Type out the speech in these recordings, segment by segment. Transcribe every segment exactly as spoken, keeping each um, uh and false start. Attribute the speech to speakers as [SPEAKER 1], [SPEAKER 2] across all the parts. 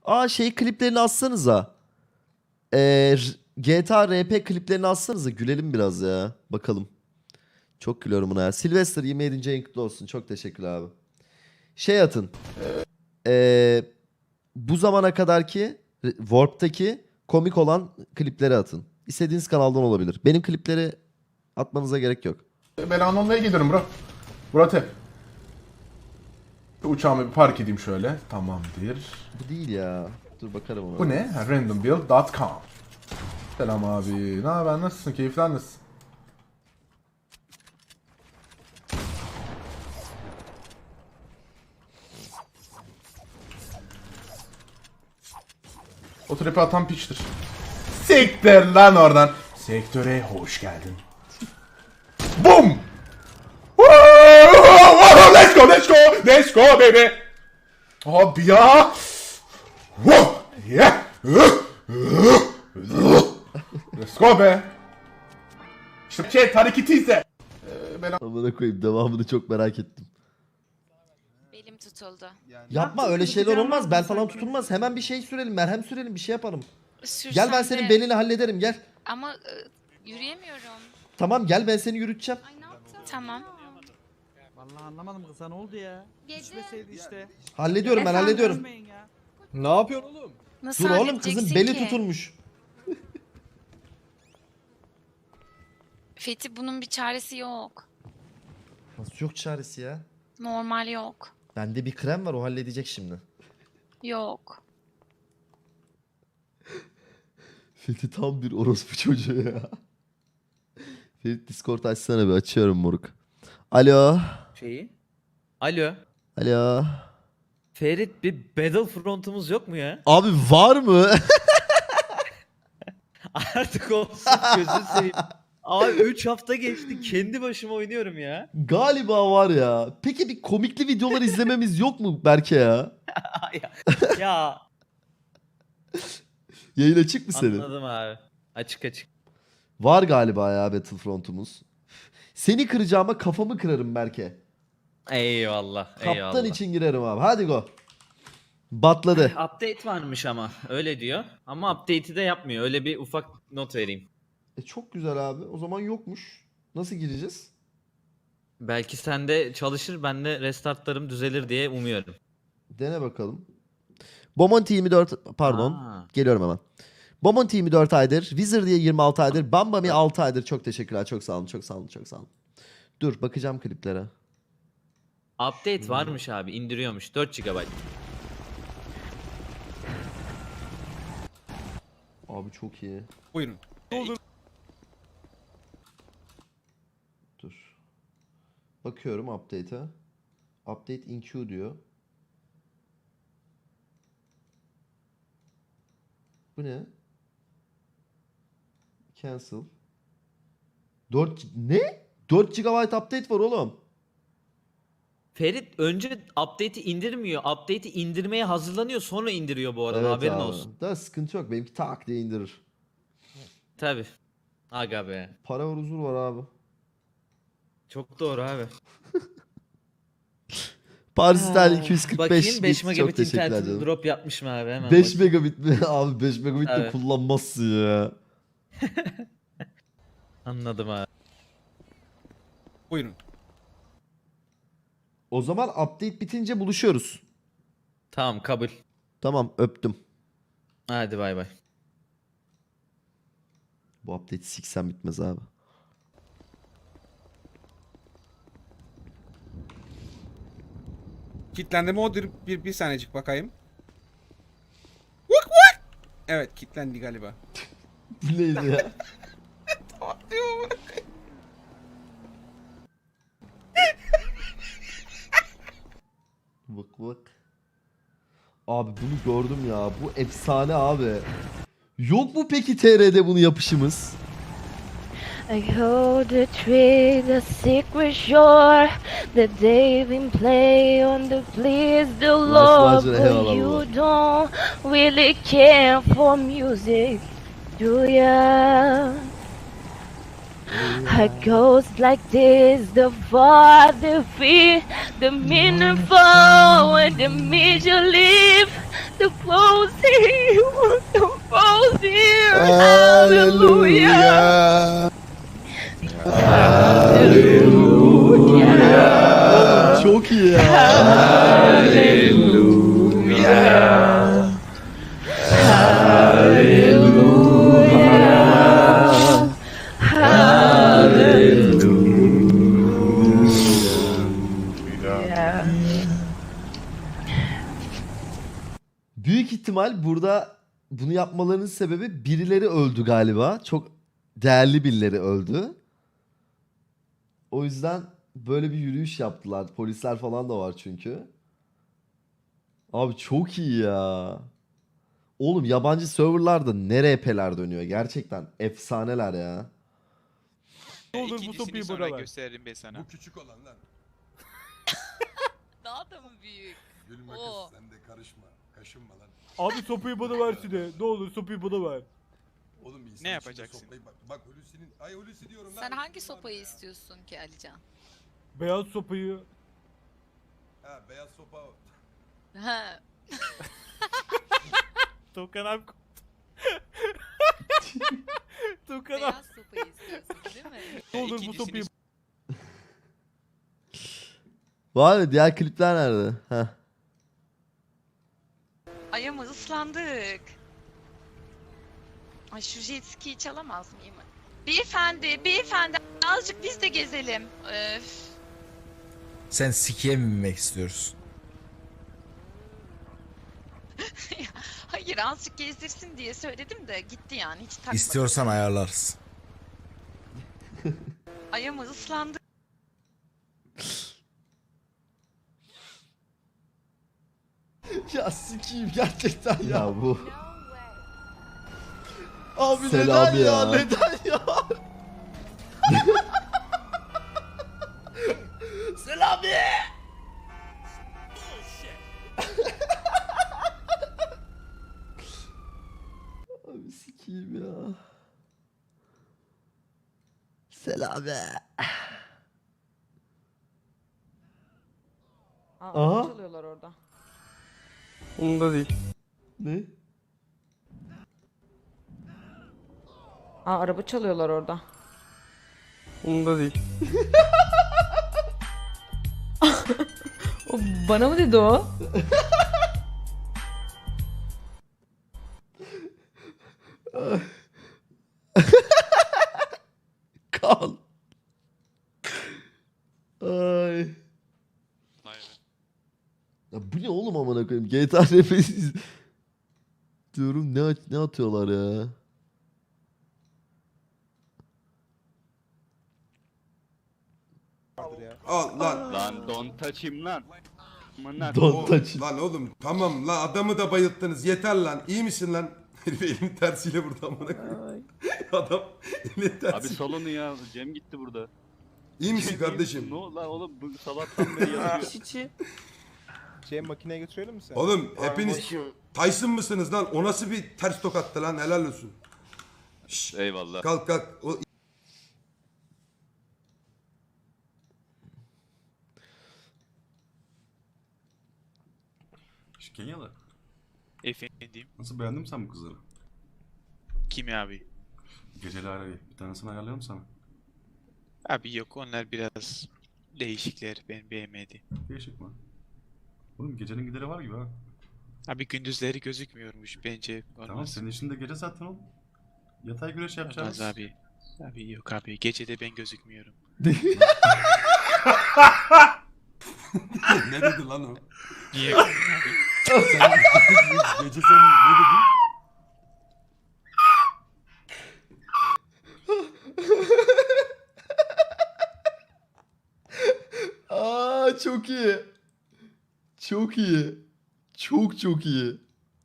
[SPEAKER 1] Aa şey kliplerini atsanıza. Ee, G T A R P kliplerini atsanıza. Gülelim biraz ya. Bakalım. Çok gülüyorum buna ya. Sylvester yirmi yedinci ayın kutlu olsun. Çok teşekkürler abi. Şey atın. Ee, bu zamana kadarki Warp'taki komik olan klipleri atın. İstediğiniz kanaldan olabilir. Benim klipleri atmanıza gerek yok.
[SPEAKER 2] Ben anlamaya gidiyorum bro. Murat hep. Uçağımı bir park edeyim şöyle. Tamamdır.
[SPEAKER 1] Bu değil ya. Dur bakarım ona.
[SPEAKER 2] Bu ne? random build dot com. Selam abi. Ne haber? Nasılsın? Keyifler nasıl? O trap'i atan piçtir. Siktir lan oradan. Sektöre hoş geldin. Boom! Let's go, let's go, let's go baby. Abi ya. Yeah. Let's go be. İşte şey hareketi izle. Ee, ben
[SPEAKER 1] Amına koyayım, devamını çok merak ettim.
[SPEAKER 3] Belim tutuldu.
[SPEAKER 1] Yapma, öyle şeyler olmaz. Bel falan tutulmaz. Hemen bir şey sürelim, merhem sürelim, bir şey yapalım.
[SPEAKER 3] Sürsem
[SPEAKER 1] Gel ben senin
[SPEAKER 3] de-
[SPEAKER 1] belini hallederim, gel.
[SPEAKER 3] Ama e, yürüyemiyorum.
[SPEAKER 1] Tamam gel, ben seni yürüteceğim.
[SPEAKER 3] Tamam.
[SPEAKER 4] Vallahi anlamadım kıza, ne oldu ya? Düşmeseydi işte.
[SPEAKER 1] Hallediyorum ben,
[SPEAKER 3] Efendim?
[SPEAKER 1] hallediyorum.
[SPEAKER 4] Ölmeyin ya.
[SPEAKER 5] Ne yapıyorsun oğlum?
[SPEAKER 3] Nasıl
[SPEAKER 1] Dur oğlum,
[SPEAKER 3] halledeceksin
[SPEAKER 1] kızın beli
[SPEAKER 3] ki?
[SPEAKER 1] tutulmuş.
[SPEAKER 3] Fethi, bunun bir çaresi yok.
[SPEAKER 1] Nasıl yok çaresi ya?
[SPEAKER 3] Normal yok.
[SPEAKER 1] Bende bir krem var, o halledecek şimdi.
[SPEAKER 3] Yok.
[SPEAKER 1] Fethi tam bir orospu çocuğu ya. Fethi Discord açsana bir, açıyorum moruk. Alo.
[SPEAKER 6] Şeyi. Alo.
[SPEAKER 1] Alo.
[SPEAKER 6] Ferit, bir Battlefront'umuz yok mu ya?
[SPEAKER 1] Abi var mı?
[SPEAKER 6] Artık olsun, gözünü seveyim. Abi üç hafta geçti, kendi başıma oynuyorum ya.
[SPEAKER 1] Galiba var ya. Peki bir komikli videolar izlememiz yok mu Berke ya?
[SPEAKER 6] ya. ya.
[SPEAKER 1] Yayın açık mı senin?
[SPEAKER 6] Anladım abi. Açık açık.
[SPEAKER 1] Var galiba ya Battlefront'umuz. Seni kıracağıma kafamı kırarım Berke.
[SPEAKER 6] Eyvallah.
[SPEAKER 1] Kaptan
[SPEAKER 6] eyvallah.
[SPEAKER 1] için girerim abi. Hadi go. Batladı.
[SPEAKER 6] Update varmış ama öyle diyor. Ama update'i de yapmıyor. Öyle bir ufak not vereyim.
[SPEAKER 1] E çok güzel abi. O zaman yokmuş. Nasıl gireceğiz?
[SPEAKER 6] Belki sende çalışır, bende restartlarım düzelir diye umuyorum.
[SPEAKER 1] Dene bakalım. Bomonti yirmi dört, pardon.
[SPEAKER 6] Aa.
[SPEAKER 1] Geliyorum hemen. Bomonti yirmi dört aydır. Wizard diye yirmi altı aydır. Bambami altı aydır. Çok teşekkürler. Çok sağ olun. Çok sağ olun. Çok sağ olun. Dur bakacağım kliplere.
[SPEAKER 6] Update varmış abi, indiriyormuş. dört gigabayt.
[SPEAKER 1] Abi çok iyi.
[SPEAKER 5] Buyurun.
[SPEAKER 1] Dur. Bakıyorum update'e. Update in queue diyor. Bu ne? Cancel. dört ne? dört gigabayt update var oğlum.
[SPEAKER 6] Ferit önce update'i indirmiyor. Update'i indirmeye hazırlanıyor, sonra indiriyor bu arada,
[SPEAKER 1] Evet
[SPEAKER 6] haberin
[SPEAKER 1] abi.
[SPEAKER 6] olsun.
[SPEAKER 1] Da sıkıntı yok. Benimki tak diye indirir.
[SPEAKER 6] Tabi. Aga be.
[SPEAKER 1] Para var, huzur var abi.
[SPEAKER 6] Çok doğru abi.
[SPEAKER 1] Paris'ten iki yüz kırk beş.
[SPEAKER 6] Bakayım beş
[SPEAKER 1] Çok
[SPEAKER 6] megabit
[SPEAKER 1] teşekkürler
[SPEAKER 6] internetin
[SPEAKER 1] canım.
[SPEAKER 6] drop yapmış mı abi, hemen
[SPEAKER 1] beş
[SPEAKER 6] bakayım.
[SPEAKER 1] megabit mi? Abi beş megabit de
[SPEAKER 6] Evet.
[SPEAKER 1] kullanmazsın ya.
[SPEAKER 6] Anladım abi.
[SPEAKER 5] Buyurun.
[SPEAKER 1] O zaman update bitince buluşuyoruz.
[SPEAKER 6] Tamam, kabul.
[SPEAKER 1] Tamam, öptüm.
[SPEAKER 6] Hadi bay bay.
[SPEAKER 1] Bu update siksen bitmez abi.
[SPEAKER 5] Kitlendi mi o? Bir, bir, bir saniyecik bakayım. Vuk vuk! Evet, kitlendi galiba.
[SPEAKER 1] Bu neydi ya? Bak bak. Abi bunu gördüm ya. Bu efsane abi. Yok mu peki T R'de bunu yapışımız?
[SPEAKER 7] I hold the tree, the secret shore, the day we play on the please the Lord,
[SPEAKER 1] Macera, eyvallah
[SPEAKER 7] but you
[SPEAKER 1] baba.
[SPEAKER 7] don't really care for music, do ya? It goes like this, the far, the fear, the meaningful, and the means you live, the closing, the closing, hallelujah. Hallelujah.
[SPEAKER 1] Çok iyi ya. Büyük ihtimal burada bunu yapmalarının sebebi birileri öldü galiba. Çok değerli birileri öldü. O yüzden böyle bir yürüyüş yaptılar. Polisler falan da var çünkü. Abi çok iyi ya. Oğlum yabancı serverlarda ne R P'ler dönüyor. Gerçekten efsaneler ya.
[SPEAKER 4] Ne olur bu
[SPEAKER 8] İkincisini
[SPEAKER 4] sopayı
[SPEAKER 8] sonra
[SPEAKER 4] bana ver.
[SPEAKER 8] gösteririm ben sana.
[SPEAKER 9] Bu küçük olan lan.
[SPEAKER 10] Daha da mı büyük?
[SPEAKER 9] Gülme
[SPEAKER 10] Oo.
[SPEAKER 9] kız sen de karışma. Kaşınma lan.
[SPEAKER 4] Abi sopayı bana versene. Ne olur sopayı bana ver.
[SPEAKER 9] Oğlum bir insan
[SPEAKER 8] Ne
[SPEAKER 9] içinde
[SPEAKER 8] yapacaksın?
[SPEAKER 9] sopayı- Bak, bak Hulusi'nin... Ay Hulusi diyorum lan.
[SPEAKER 10] Sen hangi
[SPEAKER 9] Hulusi var
[SPEAKER 10] sopayı
[SPEAKER 9] ya.
[SPEAKER 10] istiyorsun ki Alican?
[SPEAKER 4] Beyaz sopayı.
[SPEAKER 9] Ha beyaz sopa o.
[SPEAKER 10] Ha.
[SPEAKER 4] Tukan abi. Tukan abi.
[SPEAKER 10] Beyaz sopayı istiyorsun değil mi?
[SPEAKER 4] Ne olur bu
[SPEAKER 8] İkincisini
[SPEAKER 4] sopayı.
[SPEAKER 1] Var mı? Diğer klipler nerede? Heh.
[SPEAKER 10] Ay ama ıslandık. Ay şu jet ski'yi çalamaz mıyım? Beyefendi, beyefendi azıcık biz de gezelim. Öf.
[SPEAKER 11] Sen sikiye mi binmek istiyorsun?
[SPEAKER 10] Hayır azıcık gezdirsin diye söyledim de gitti yani hiç takmadı.
[SPEAKER 11] İstiyorsan ayarlarız.
[SPEAKER 10] Ay ama ıslandık.
[SPEAKER 1] Ya sikiyim gerçekten ya. Ya bu. Abi
[SPEAKER 11] Selam
[SPEAKER 1] neden ya?
[SPEAKER 11] ya.
[SPEAKER 1] Neden ya? Selami. Abi sikiyim ya. Selami. Aha.
[SPEAKER 10] Çalıyorlar orada.
[SPEAKER 4] Onda değil.
[SPEAKER 1] Ne?
[SPEAKER 10] Aa araba çalıyorlar orada.
[SPEAKER 4] Onda değil.
[SPEAKER 10] O bana mı dedi o?
[SPEAKER 1] Kan. Ay. Ya bu ne oğlum amına koyayım? G T A R P diyorum ne at- ne atıyorlar ya?
[SPEAKER 9] Al lan.
[SPEAKER 8] Lan don't touch him lan.
[SPEAKER 1] Don't touch it.
[SPEAKER 9] Lan oğlum tamam lan adamı da bayılttınız yeter lan. İyi misin lan? Herif elini tersiyle vurdu amına koyayım. Adam elini tersiyle.
[SPEAKER 8] salonu ya. Cem gitti burada.
[SPEAKER 9] İyi misin kardeşim?
[SPEAKER 8] lan oğlum bu sabahtan beri yatıyor.
[SPEAKER 4] Şey makineye götürelim mi sen?
[SPEAKER 9] Oğlum hepiniz Tyson mısınız lan? O nasıl bir ters tokattı lan? Helal olsun. Şşş,
[SPEAKER 8] Eyvallah.
[SPEAKER 9] kalk kalk. O...
[SPEAKER 2] Kenyalı.
[SPEAKER 8] Efendim.
[SPEAKER 2] Nasıl beğendin mi sen bu kızları?
[SPEAKER 8] Kim abi?
[SPEAKER 2] Geceli arayı. Bir tanesini ayarlayalım sana.
[SPEAKER 8] Abi yok onlar biraz değişikler ben beğenmedim.
[SPEAKER 2] Değişik mi? Oğlum gecenin gideri var gibi ha.
[SPEAKER 8] Abi gündüzleri gözükmüyormuş bence. Olmaz.
[SPEAKER 2] Tamam senin için de gece zaten oğlum. Yatay güreş yapacağız.
[SPEAKER 8] Olmaz abi. Abi yok abi gecede ben gözükmüyorum.
[SPEAKER 9] ne dedi lan o?
[SPEAKER 8] Niye?
[SPEAKER 9] Sen, gece sen ne dedin?
[SPEAKER 1] Aa çok iyi. Çok iyi. Çok çok iyi.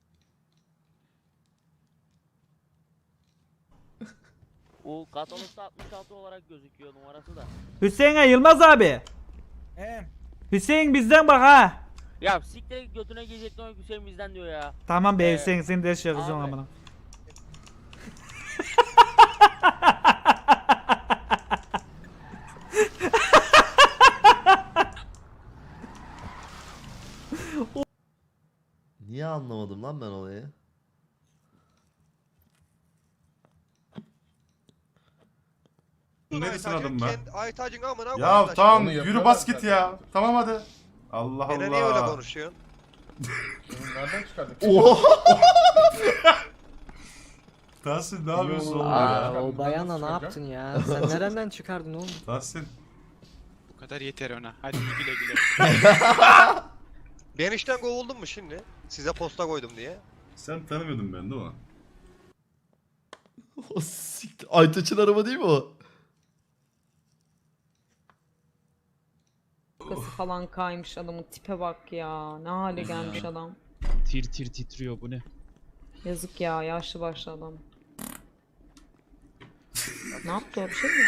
[SPEAKER 6] O katalogda altmış altı olarak gözüküyor numarası da.
[SPEAKER 4] Hüseyin Yılmaz abi. Hüseyin bizden bak ha.
[SPEAKER 6] Ya siktir götüne girecektin o Hüseyin bizden diyor ya.
[SPEAKER 4] Tamam be
[SPEAKER 6] Ee,
[SPEAKER 4] Hüseyin seni de şey yapacağım
[SPEAKER 6] abi.
[SPEAKER 4] amına.
[SPEAKER 1] anlamadım lan ben olayı?
[SPEAKER 2] Neresin adım ben?
[SPEAKER 12] Aytacın amına
[SPEAKER 2] Ya tamam yürü bas git ya. Tamam hadi. Allah Allah.
[SPEAKER 12] Niye öyle konuşuyorsun?
[SPEAKER 2] Nereden çıkardık?
[SPEAKER 1] Oha!
[SPEAKER 2] Tahsin ne yapıyorsun oğlum
[SPEAKER 13] Aa,
[SPEAKER 2] ya?
[SPEAKER 13] o bayana ne yaptın ya? Sen nereden çıkardın oğlum?
[SPEAKER 2] Tahsin.
[SPEAKER 8] Bu kadar yeter ona. Hadi güle güle.
[SPEAKER 12] Ben işten kovuldum mu şimdi? Size posta koydum diye.
[SPEAKER 2] Sen tanımıyordun beni değil mi?
[SPEAKER 1] O siktir. Aytaç'ın araba değil mi o?
[SPEAKER 7] Kafası falan kaymış adamın tipe bak ya. Ne hale gelmiş adam.
[SPEAKER 8] Tir tir titriyor bu ne?
[SPEAKER 7] Yazık ya yaşlı başlı adam. Ne yaptı o bir şey mi?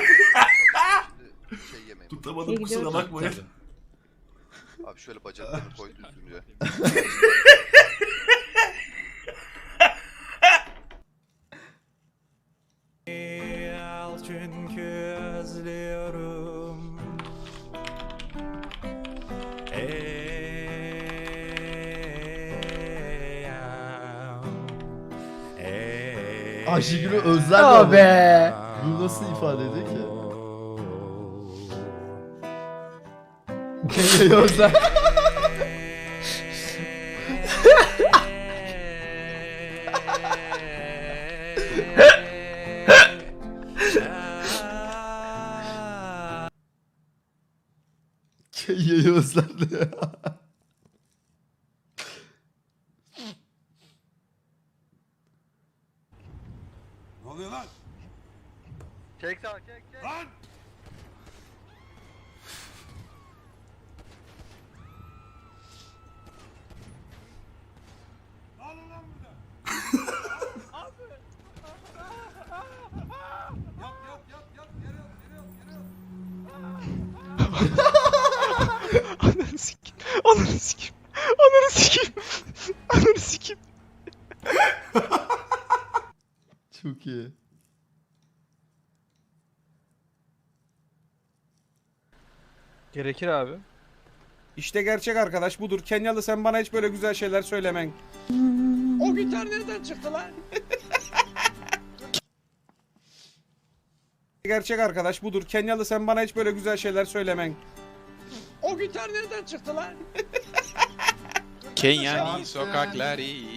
[SPEAKER 2] Tutamadım
[SPEAKER 7] İyi
[SPEAKER 2] kusura
[SPEAKER 7] gidiyoruz.
[SPEAKER 2] bakmayın.
[SPEAKER 12] Abi şöyle bacaklarını koy düzgünce.
[SPEAKER 4] Çünkü özlüyorum.
[SPEAKER 1] Ayşegül'ü özler be. Bu nasıl ifade ediyor ki? Kendini özler. Kenya'yı özlendi ya.
[SPEAKER 9] Ne oluyor lan?
[SPEAKER 12] Çek sağ çek çek.
[SPEAKER 9] Lan! Al ulan burada. Yap yap yap yap yere yap yere yap yere yap.
[SPEAKER 8] Ananı sikim. Ananı sikim. Ananı sikim. Ananı sikim.
[SPEAKER 1] Çok iyi.
[SPEAKER 13] Gerekir abi.
[SPEAKER 5] İşte gerçek arkadaş budur. Kenyalı sen bana hiç böyle güzel şeyler söylemen.
[SPEAKER 8] O gitar nereden çıktı lan?
[SPEAKER 5] Gerçek arkadaş budur. Kenyalı sen bana hiç böyle güzel şeyler söylemen.
[SPEAKER 8] O gitar nereden çıktı lan? Kenya'nın sokakları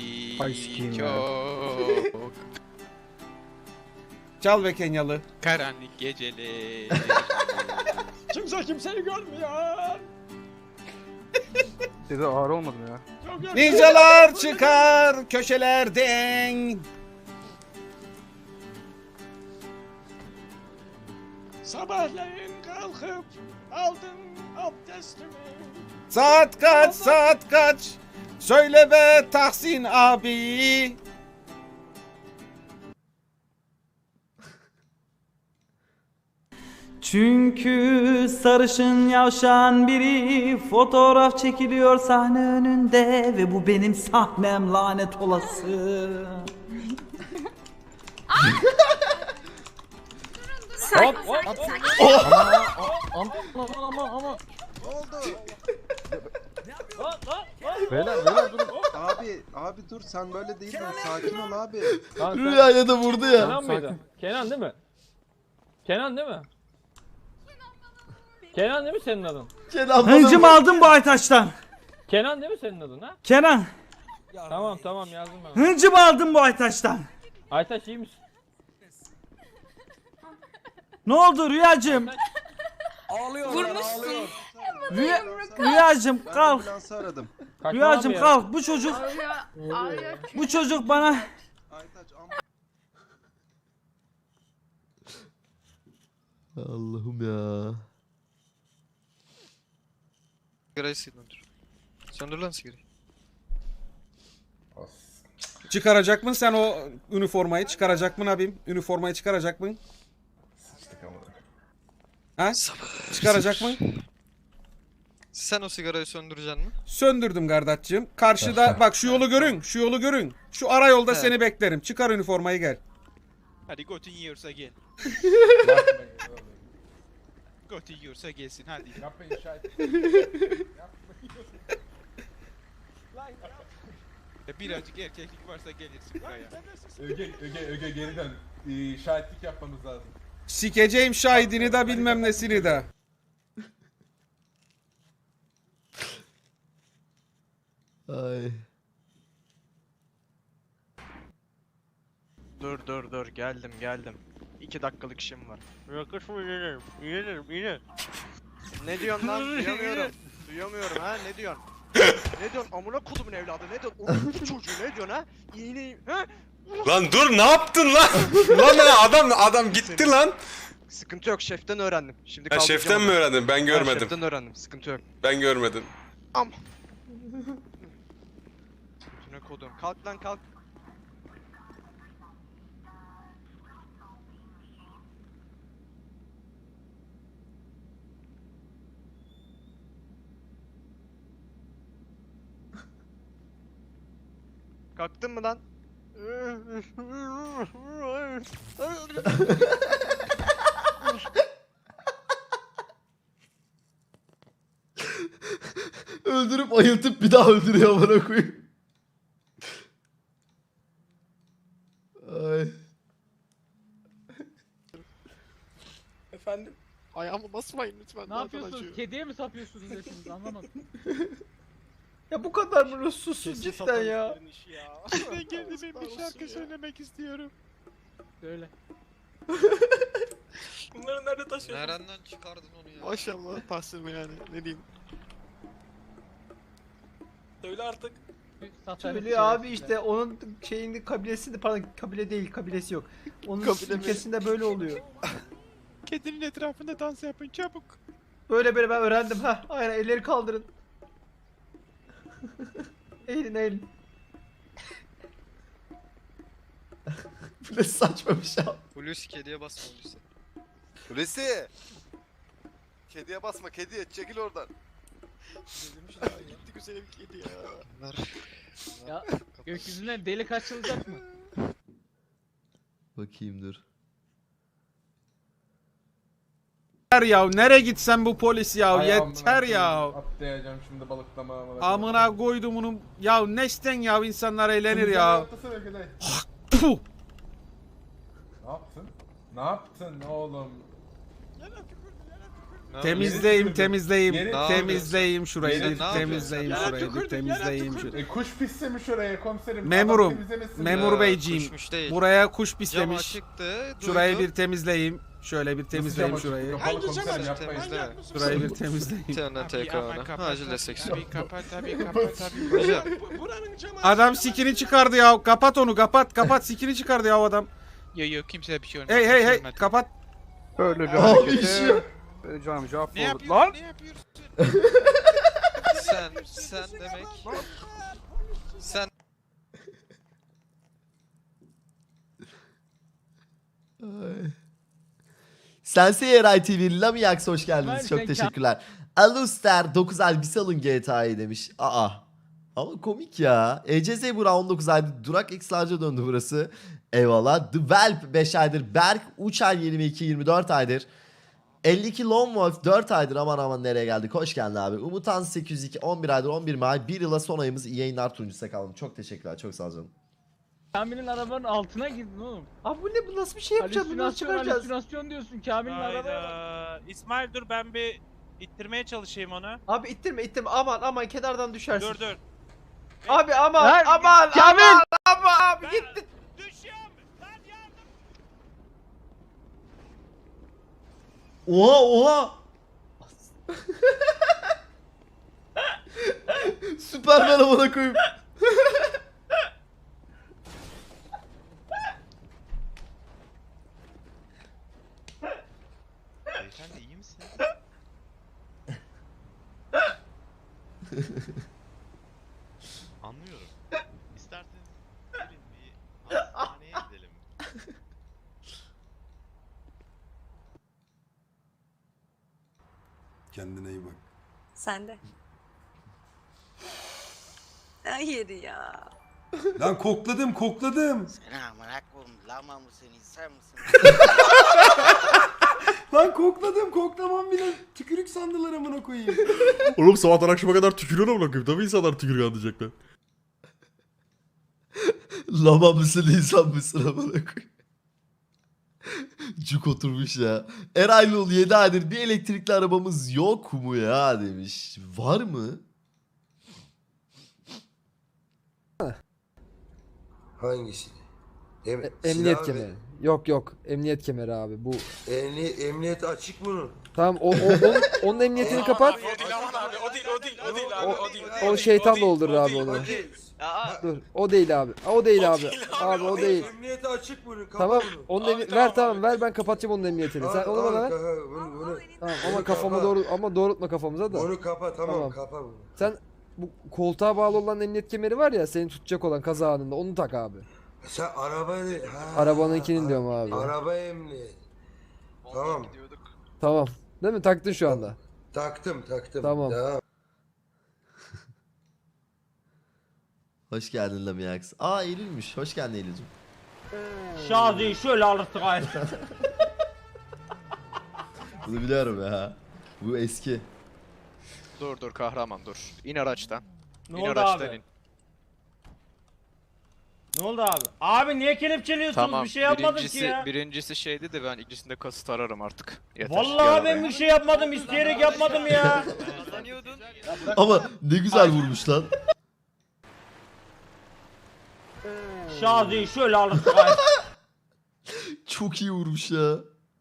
[SPEAKER 8] çok
[SPEAKER 5] Çal be Kenyalı.
[SPEAKER 8] karanlık geceler. Kimse kimseyi görmüyor.
[SPEAKER 13] Size ağır olmadı mı ya?
[SPEAKER 5] Ninjalar çıkar köşelerden.
[SPEAKER 8] Sabahleyin kalkıp aldım abdestimi.
[SPEAKER 5] Saat kaç saat kaç? Söyle be Tahsin abi.
[SPEAKER 4] Çünkü sarışın yavşan biri fotoğraf çekiliyor sahne önünde ve bu benim sahnem lanet olası.
[SPEAKER 3] Sakin sakin sakin.
[SPEAKER 13] Ama ama ama.
[SPEAKER 12] Ne oldu?
[SPEAKER 13] Beyler beyler durun.
[SPEAKER 12] Abi abi dur sen böyle değildin. Sakin ol abi.
[SPEAKER 1] Rüyaya da vurdu ya.
[SPEAKER 13] Kenan mıydı? Kenan değil mi? Kenan değil mi? Kenan değil mi senin adın?
[SPEAKER 1] Kenan
[SPEAKER 4] Hıncım aldım bu Aytaç'tan.
[SPEAKER 13] Kenan değil mi senin adın ha?
[SPEAKER 4] Kenan.
[SPEAKER 13] Tamam tamam yazdım ben.
[SPEAKER 4] Hıncım aldım bu Aytaç'tan.
[SPEAKER 13] Aytaç iyi misin?
[SPEAKER 4] Ne oldu Rüyacığım?
[SPEAKER 3] Vurmuşsun.
[SPEAKER 4] Rüya, Rüyacığım
[SPEAKER 12] Ben
[SPEAKER 4] kalk.
[SPEAKER 12] ambulansı aradım.
[SPEAKER 4] Rüyacığım kalk. Bu çocuk bu çocuk bana
[SPEAKER 12] Aytaç
[SPEAKER 1] Allah'ım ya.
[SPEAKER 8] Sigarayı söndür. Söndür lan sigarayı.
[SPEAKER 5] Çıkaracak mısın sen o üniformayı? Çıkaracak mısın abim? Üniformayı çıkaracak mısın? Ha? Çıkaracak mı?
[SPEAKER 8] Sen o sigarayı söndüreceksin mi?
[SPEAKER 5] Söndürdüm kardeşciğim. Karşıda bak şu yolu görün. Şu yolu görün. Şu ara yolda
[SPEAKER 8] He.
[SPEAKER 5] seni beklerim. Çıkar üniformayı gel.
[SPEAKER 8] Hadi götün yiyorsa gel. Götün yiyorsa gelsin hadi. E, birazcık erkeklik varsa gelirsin buraya.
[SPEAKER 2] Öge, Öge, Öge geri dön. Ee, şahitlik yapmamız lazım.
[SPEAKER 5] Sikeceğim şahidini de bilmem nesini de.
[SPEAKER 1] Ay.
[SPEAKER 14] Dur dur dur geldim geldim. İki dakikalık işim var. Yakışma inerim, inerim, ine. Ne diyorsun lan? Duyamıyorum. Duyamıyorum ha, ne diyorsun? Ne diyorsun? Amına kodumun evladı, ne diyorsun? Oğlum çocuğu ne diyorsun ha? İğneyi, ha?
[SPEAKER 15] Lan dur ne yaptın lan? Lan lan adam adam gitti lan.
[SPEAKER 14] Sıkıntı yok, şeften öğrendim. Şimdi
[SPEAKER 15] Ha,
[SPEAKER 14] kaldıracağım
[SPEAKER 15] şeften
[SPEAKER 14] onu.
[SPEAKER 15] mi öğrendin? Ben
[SPEAKER 14] Ha,
[SPEAKER 15] görmedim.
[SPEAKER 14] şeften öğrendim, sıkıntı yok.
[SPEAKER 15] Ben görmedim.
[SPEAKER 14] Am. Ne kodum? Kalk lan kalk. Kalktın mı lan?
[SPEAKER 1] Öldürüp ayıltıp bir daha öldürüyor bana koyayım. Ay.
[SPEAKER 14] Efendim? Ayağımı basmayın lütfen.
[SPEAKER 13] Ne yapıyorsunuz? Kediye mi sapıyorsunuz desiniz anlamadım.
[SPEAKER 4] Ya bu kadar mı ruhsuzsun cidden ya?
[SPEAKER 8] Ben kendime bir şarkı söylemek istiyorum.
[SPEAKER 13] Söyle.
[SPEAKER 14] Bunları nerede taşıyorsun?
[SPEAKER 8] Nereden çıkardın onu ya?
[SPEAKER 14] Maşallah Tahsin yani ne diyeyim. Söyle artık.
[SPEAKER 4] Söylüyor abi işte onun şeyinde kabilesinde pardon kabile değil kabilesi yok. Onun
[SPEAKER 14] Kabile mi?
[SPEAKER 4] ülkesinde böyle oluyor.
[SPEAKER 8] Kedinin etrafında dans yapın çabuk.
[SPEAKER 4] Böyle böyle ben öğrendim ha. Aynen elleri kaldırın. Eğilin eğilin.
[SPEAKER 1] Bu ne saçma bir şey.
[SPEAKER 8] Hulusi kediye basma Hulusi.
[SPEAKER 12] Hulusi! Kediye basma kediye çekil oradan.
[SPEAKER 14] Gitti güzelim kedi ya.
[SPEAKER 13] Ya gökyüzünden delik açılacak mı?
[SPEAKER 1] Bakayım dur.
[SPEAKER 5] Ya nereye gitsen bu polis ya
[SPEAKER 2] Ay,
[SPEAKER 5] yeter
[SPEAKER 2] amına
[SPEAKER 5] ya.
[SPEAKER 2] koyayım, Atlayacağım şimdi balıklama.
[SPEAKER 5] Amına koydum bunu. Ya nesten ya insanlar eğlenir
[SPEAKER 2] Şimdi
[SPEAKER 5] ya.
[SPEAKER 2] atlasana Öge dayı.
[SPEAKER 5] Puh.
[SPEAKER 2] Ne yaptın? Ne yaptın oğlum?
[SPEAKER 5] Temizleyeyim temizleyeyim
[SPEAKER 2] Yeri-
[SPEAKER 5] temizleyeyim şurayı
[SPEAKER 2] Yeri-
[SPEAKER 5] bir
[SPEAKER 2] Ne
[SPEAKER 5] temizleyeyim
[SPEAKER 2] yapıyorsun?
[SPEAKER 5] şurayı bir temizleyeyim şurayı.
[SPEAKER 2] E kuş pislemiş oraya komiserim.
[SPEAKER 5] Memurum,
[SPEAKER 2] Adam temizlemesin
[SPEAKER 5] memur
[SPEAKER 2] ya.
[SPEAKER 5] beyciğim,
[SPEAKER 8] kuşmuş değil.
[SPEAKER 5] buraya kuş
[SPEAKER 8] Cam
[SPEAKER 5] pislemiş.
[SPEAKER 8] açıktı.
[SPEAKER 5] Şurayı
[SPEAKER 8] duydum.
[SPEAKER 5] bir temizleyeyim. Şöyle bir temizleyeyim
[SPEAKER 2] Nasıl cam açık?
[SPEAKER 5] şurayı.
[SPEAKER 2] Kapalı komiserim yapmayın.
[SPEAKER 8] Temizle.
[SPEAKER 5] Şurayı bir temizleyeyim.
[SPEAKER 8] T N T K'na. Acil destek.
[SPEAKER 13] Tabii kapat tabii kapat tabii.
[SPEAKER 8] Hocam.
[SPEAKER 5] Adam sikini çıkardı ya. Kapat onu kapat kapat sikini çıkardı ya o adam.
[SPEAKER 8] Yok yok kimseye bir şey olmadı.
[SPEAKER 5] Hey hey hey
[SPEAKER 8] Olmadı.
[SPEAKER 5] kapat.
[SPEAKER 12] Böyle bir
[SPEAKER 1] Abi
[SPEAKER 12] harekete
[SPEAKER 1] işi.
[SPEAKER 12] vereceğim cevap
[SPEAKER 8] Ne
[SPEAKER 12] olur.
[SPEAKER 8] yapıyorsun?
[SPEAKER 12] Lan!
[SPEAKER 8] Ne yapıyorsun? sen sen demek. Sen
[SPEAKER 1] Ay. Sensei Eray T V, Lamiax hoş geldiniz.
[SPEAKER 13] Ömer,
[SPEAKER 1] Çok
[SPEAKER 13] sen
[SPEAKER 1] teşekkürler. Aluster dokuz ay bir salın G T A'yı demiş. Aa. Ama komik ya. E C Z Burak on dokuz aydır. Durak X Large'a döndü burası. Eyvallah. The Velp beş aydır. Berk Uçay yirmi iki yirmi dört aydır. elli iki Lone Wolf dört aydır. Aman aman nereye geldik. Hoş geldin abi. Umutan sekiz yüz iki on bir aydır. on bir ay. bir yıla son ayımız. İyi yayınlar turuncusu kaldım. Çok teşekkürler. Çok sağ ol canım.
[SPEAKER 13] Kamil'in arabanın altına girdin oğlum.
[SPEAKER 4] Abi bu ne bu nasıl bir şey yapacağız bunu nasıl
[SPEAKER 13] Halüsinasyon
[SPEAKER 4] çıkaracağız?
[SPEAKER 13] halüsinasyon diyorsun Kamil'in arabaya.
[SPEAKER 16] Hayda. İsmail dur ben bir ittirmeye çalışayım onu.
[SPEAKER 4] Abi ittirme ittirme aman aman kenardan düşersin.
[SPEAKER 16] Dur dur.
[SPEAKER 4] Abi aman
[SPEAKER 13] Lan,
[SPEAKER 4] aman
[SPEAKER 13] Kamil!
[SPEAKER 4] aman aman abi gitti.
[SPEAKER 16] Düşüyorum. Lan yardım.
[SPEAKER 1] Oha oha. Süpermen amına koyayım.
[SPEAKER 8] Beyefendi iyi misiniz? Anlıyorum. İsterseniz gelin bir hastaneye gidelim.
[SPEAKER 9] Kendine iyi bak.
[SPEAKER 3] Sen de. Hayır ya.
[SPEAKER 9] Lan kokladım kokladım.
[SPEAKER 14] Selamun aleyküm. Lama mısın insan mısın?
[SPEAKER 9] Lan kokladım koklamam bile tükürük sandılar amına koyayım.
[SPEAKER 15] Oğlum sabahtan akşama kadar tükürüyor amına koyayım. Tabii insanlar tükürüyor anlayacaklar.
[SPEAKER 1] Lama mısın insan mısın amına koyayım. Cuk oturmuş ya. Eraylıoğlu yedi aydır bir elektrikli arabamız yok mu ya demiş. Var mı?
[SPEAKER 12] Hangisi? Em
[SPEAKER 17] Emniyet
[SPEAKER 12] silah
[SPEAKER 17] kemeri.
[SPEAKER 12] ve-
[SPEAKER 17] Yok yok. Emniyet kemeri abi. Bu.
[SPEAKER 12] Emni emniyet açık bunun.
[SPEAKER 17] Tamam o, o onun, onun emniyetini kapat.
[SPEAKER 15] O değil aman abi o değil o değil o değil abi o değil.
[SPEAKER 17] O şeytan doldurur abi onu. Dur. O değil abi. O değil abi. Abi o değil.
[SPEAKER 12] Emniyeti açık bunun. Kapa
[SPEAKER 17] Tamam.
[SPEAKER 12] bunu.
[SPEAKER 17] Onun emni- ver tamam ver ben kapatacağım onun emniyetini. Sen
[SPEAKER 12] Al,
[SPEAKER 17] onu bana
[SPEAKER 12] al,
[SPEAKER 17] ver.
[SPEAKER 12] kapa, bunu, bunu,
[SPEAKER 17] Tamam ama
[SPEAKER 12] bunu
[SPEAKER 17] kafama
[SPEAKER 12] kapa.
[SPEAKER 17] doğru ama doğrultma kafamıza da.
[SPEAKER 12] Onu kapa tamam,
[SPEAKER 17] Tamam.
[SPEAKER 12] kapa bunu.
[SPEAKER 17] Sen bu koltuğa bağlı olan emniyet kemeri var ya seni tutacak olan kaza anında onu tak abi.
[SPEAKER 12] Sen arabayı... Ha,
[SPEAKER 17] Arabanınkini diyorum abi.
[SPEAKER 12] Araba emniyet. Tamam.
[SPEAKER 17] Tamam. Değil mi? Taktın şu anda.
[SPEAKER 12] Taktım taktım.
[SPEAKER 17] Tamam.
[SPEAKER 12] Devam.
[SPEAKER 1] Hoş geldin Lamiax. Aa Eylül'müş. Hoş geldin Eylül'cüm.
[SPEAKER 13] Şazi'yi şöyle alırsın gayrı.
[SPEAKER 1] Bunu biliyorum ya. Bu eski.
[SPEAKER 14] Dur dur kahraman dur. İn araçtan.
[SPEAKER 13] Ne
[SPEAKER 14] İn
[SPEAKER 13] oldu
[SPEAKER 14] araçtan
[SPEAKER 13] abi?
[SPEAKER 14] in.
[SPEAKER 13] Ne oldu abi? Abi niye kelepçeliyorsunuz?
[SPEAKER 14] Tamam.
[SPEAKER 13] Bir şey yapmadım
[SPEAKER 14] birincisi,
[SPEAKER 13] ki ya.
[SPEAKER 14] Birincisi şeydi de ben ikincisinde kasıt ararım artık. Yeter.
[SPEAKER 13] Vallahi
[SPEAKER 14] Gel
[SPEAKER 13] ben
[SPEAKER 14] araya.
[SPEAKER 13] bir şey yapmadım. İsteyerek yapmadım ya.
[SPEAKER 1] Ama ne güzel vurmuş lan.
[SPEAKER 13] Şazi'yi şöyle alırsın gayrı.
[SPEAKER 1] Çok iyi vurmuş ya.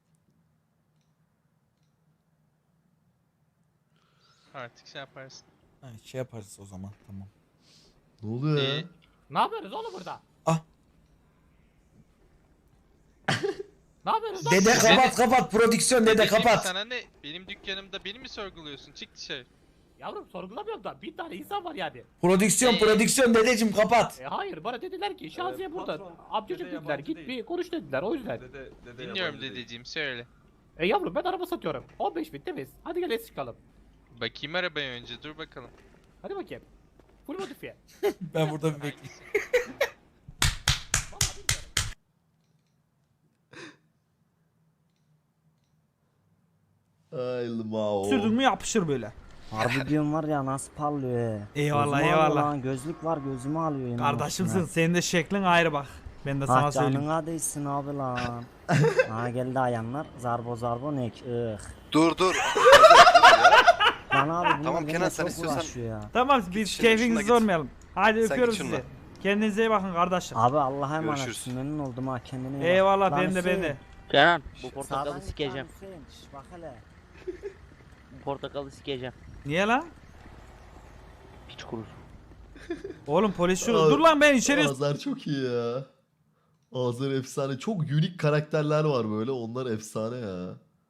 [SPEAKER 16] Artık şey yaparsın.
[SPEAKER 11] Ha, şey yaparız o zaman tamam.
[SPEAKER 1] Ne oluyor ya?
[SPEAKER 13] Ne yapıyoruz oğlum burada?
[SPEAKER 11] Ah.
[SPEAKER 13] Ne yapıyoruz?
[SPEAKER 11] Dede kapat kapat prodüksiyon dede
[SPEAKER 16] Benim
[SPEAKER 11] kapat.
[SPEAKER 16] Sana ne? Benim dükkanımda beni mi sorguluyorsun? Çık dışarı.
[SPEAKER 13] Yavrum sorgulamıyorum da bir tane insan var yani.
[SPEAKER 11] Prodüksiyon prodüksiyon dedeciğim kapat.
[SPEAKER 13] E hayır bana dediler ki Şaziye burada. Amcacık dediler git bir konuş dediler o yüzden.
[SPEAKER 16] Dinliyorum dedeciğim söyle.
[SPEAKER 13] E yavrum ben araba satıyorum. on beş bin temiz. Hadi gel es çıkalım.
[SPEAKER 16] Bakayım arabaya önce dur bakalım.
[SPEAKER 13] Hadi bakayım. Full modifiye.
[SPEAKER 11] Ben burada bir bekleyeyim.
[SPEAKER 1] Ay Mao.
[SPEAKER 4] Sürdün mü yapışır böyle.
[SPEAKER 18] Harbi diyorum var ya nasıl parlıyor.
[SPEAKER 4] Eyvallah,
[SPEAKER 18] Gözümü alıyor
[SPEAKER 4] eyvallah.
[SPEAKER 18] lan, gözlük var gözümü alıyor. yine
[SPEAKER 4] Kardeşimsin
[SPEAKER 18] başına.
[SPEAKER 4] senin de şeklin ayrı bak. Ben de sana
[SPEAKER 18] Ah
[SPEAKER 4] söyleyeyim.
[SPEAKER 18] canına değsin abi lan. Ha geldi ayanlar. Zarbo zarbo nek. Ih.
[SPEAKER 12] Dur dur.
[SPEAKER 18] Lan abi bunlar
[SPEAKER 12] Tamam,
[SPEAKER 18] benimle
[SPEAKER 12] Kenan, sen
[SPEAKER 18] çok
[SPEAKER 12] istiyorsan-
[SPEAKER 18] uğraşıyor ya.
[SPEAKER 4] Tamam biz
[SPEAKER 12] şununla
[SPEAKER 4] keyfinizi
[SPEAKER 12] git.
[SPEAKER 4] sormayalım. Hadi
[SPEAKER 12] Sen
[SPEAKER 4] öpüyorum
[SPEAKER 12] git şununla.
[SPEAKER 4] sizi. Kendinize iyi bakın kardeşim.
[SPEAKER 18] Abi Allah'a
[SPEAKER 12] Görüşürüz.
[SPEAKER 18] emanetsin memnun oldum ha kendine iyi bak.
[SPEAKER 4] Eyvallah
[SPEAKER 18] Lan
[SPEAKER 4] ben de ben
[SPEAKER 18] Hüseyin,
[SPEAKER 4] de.
[SPEAKER 6] Kenan bu
[SPEAKER 18] sağdan
[SPEAKER 6] portakalı
[SPEAKER 18] git lan
[SPEAKER 6] sikeceğim.
[SPEAKER 18] Hüseyin, şş, bak hele.
[SPEAKER 6] Bu portakalı sikeceğim.
[SPEAKER 4] Niye lan?
[SPEAKER 6] Piç kurusu.
[SPEAKER 4] Oğlum polis şunu.
[SPEAKER 1] Abi,
[SPEAKER 4] Dur lan ben içeri.
[SPEAKER 1] Azar çok iyi ya. Azar efsane. Çok unik karakterler var böyle. Onlar efsane ya.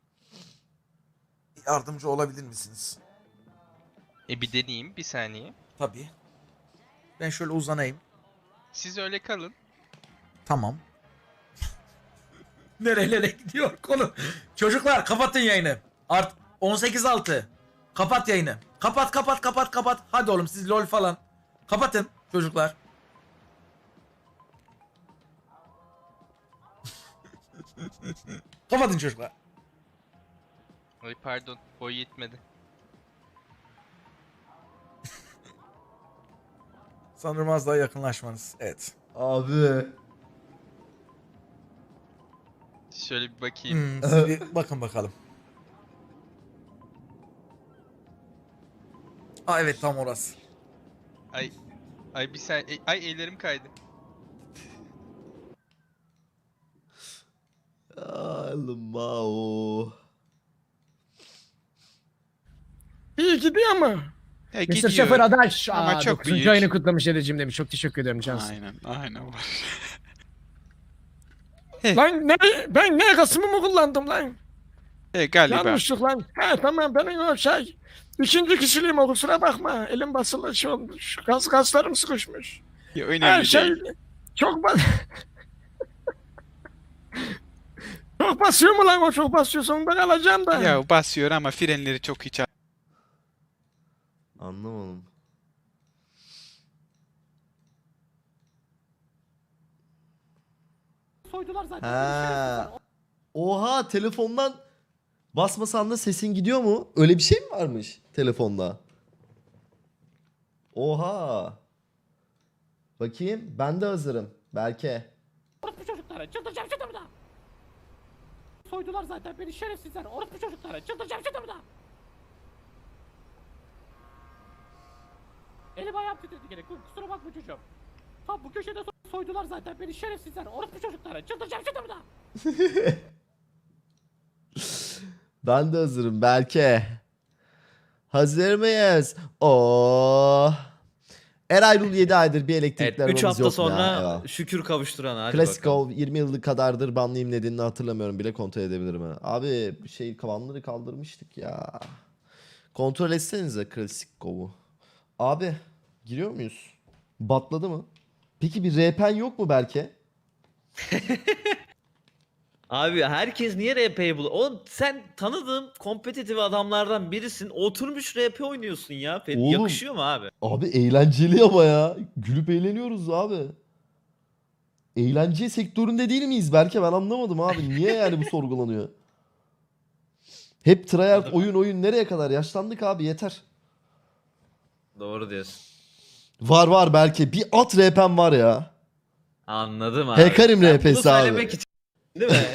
[SPEAKER 11] Yardımcı olabilir misiniz?
[SPEAKER 16] E bir deneyeyim bir saniye.
[SPEAKER 11] Tabii. Ben şöyle uzanayım.
[SPEAKER 16] Siz öyle kalın.
[SPEAKER 11] Tamam. Nerelere gidiyor konu? Çocuklar kapatın yayını. Art on sekiz altı. Kapat yayını. Kapat kapat kapat kapat. Hadi oğlum siz lol falan. Kapatın çocuklar. Kapatın çocuklar.
[SPEAKER 16] Ay pardon boy yetmedi.
[SPEAKER 11] Sanırım az daha yakınlaşmanız. Evet.
[SPEAKER 1] Abi.
[SPEAKER 16] Şöyle bir bakayım.
[SPEAKER 11] Hmm, siz bir bakın bakalım. Aa evet tam orası.
[SPEAKER 16] Ay ay bir saniye. Ay ellerim kaydı.
[SPEAKER 1] Ay Mao.
[SPEAKER 19] İyi gidiyor ama.
[SPEAKER 16] Ya
[SPEAKER 19] mister
[SPEAKER 16] gidiyor.
[SPEAKER 19] Şoför Adaş.
[SPEAKER 16] Ama
[SPEAKER 19] Aa,
[SPEAKER 16] çok
[SPEAKER 19] dokuzuncu
[SPEAKER 16] büyük.
[SPEAKER 19] ayını kutlamış dedeciğim demiş. Çok teşekkür ederim Cansın.
[SPEAKER 16] Aynen aynen var.
[SPEAKER 19] Lan ne? Ben ne kasımı mı kullandım lan?
[SPEAKER 16] E galiba.
[SPEAKER 19] Yanlışlık lan. He tamam benim o şey. İkinci kişiliğim o kusura bakma. Elim basılı şey olmuş. Kas, kaslarım sıkışmış.
[SPEAKER 16] Ya, önemli
[SPEAKER 19] Her şey
[SPEAKER 16] değil.
[SPEAKER 19] çok bas... çok basıyor mu lan o çok basıyor sonunda kalacağım da.
[SPEAKER 16] Ya basıyor ama frenleri çok hiç
[SPEAKER 1] Anlamadım.
[SPEAKER 13] Soydular zaten.
[SPEAKER 1] Ha. Oha telefondan basmasan da sesin gidiyor mu? Öyle bir şey mi varmış telefonda? Oha. Bakayım ben de hazırım. Belki.
[SPEAKER 13] Orospu çocukları çıldıracağım şimdi burada. Soydular zaten beni şerefsizler. Orospu çocukları çıldıracağım şimdi burada. Elim ayağım titredi gene. Kusura bakma çocuğum. Tam bu köşede so- soydular zaten beni şerefsizler. Orospu çocukları çıldıracağım şimdi burada.
[SPEAKER 1] Ben de hazırım belki. Hazır mıyız? Oo. Erayrul yedi aydır bir elektrikli
[SPEAKER 6] Evet,
[SPEAKER 1] arabamız
[SPEAKER 6] üç hafta
[SPEAKER 1] yok mu
[SPEAKER 6] sonra
[SPEAKER 1] ya? Eyvallah.
[SPEAKER 6] şükür kavuşturan hadi
[SPEAKER 1] Klasik
[SPEAKER 6] bakalım.
[SPEAKER 1] o yirmi yıllık kadardır banlıyım nedenini hatırlamıyorum bile kontrol edebilirim ha. Abi şey kavanları kaldırmıştık ya. Kontrol etsenize klasik kov'u. Abi giriyor muyuz? Batladı mı? Peki bir R P'n yok mu belki?
[SPEAKER 6] Abi herkes niye R P'yi buluyor? Oğlum sen tanıdığım kompetitif adamlardan birisin. Oturmuş R P oynuyorsun ya. Ferit.
[SPEAKER 1] Oğlum.
[SPEAKER 6] Yakışıyor mu abi?
[SPEAKER 1] Abi eğlenceli ama ya. Gülüp eğleniyoruz abi. Eğlence sektöründe değil miyiz belki? Ben anlamadım abi. Niye yani bu sorgulanıyor? Hep tryhard oyun oyun nereye kadar? Yaşlandık abi yeter.
[SPEAKER 6] Doğru diyorsun.
[SPEAKER 1] Var var belki. Bir at R P'm var ya.
[SPEAKER 6] Anladım abi.
[SPEAKER 1] Hekarim
[SPEAKER 6] Ben
[SPEAKER 1] R P'si
[SPEAKER 6] bunu
[SPEAKER 1] abi.
[SPEAKER 6] söylemek için değil mi?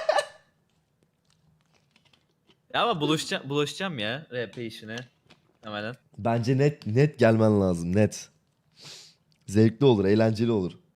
[SPEAKER 6] Ya ama bulaşacağım, bulaşacağım ya R P işine. Hemen.
[SPEAKER 1] Bence net net gelmen lazım net. Zevkli olur, eğlenceli olur.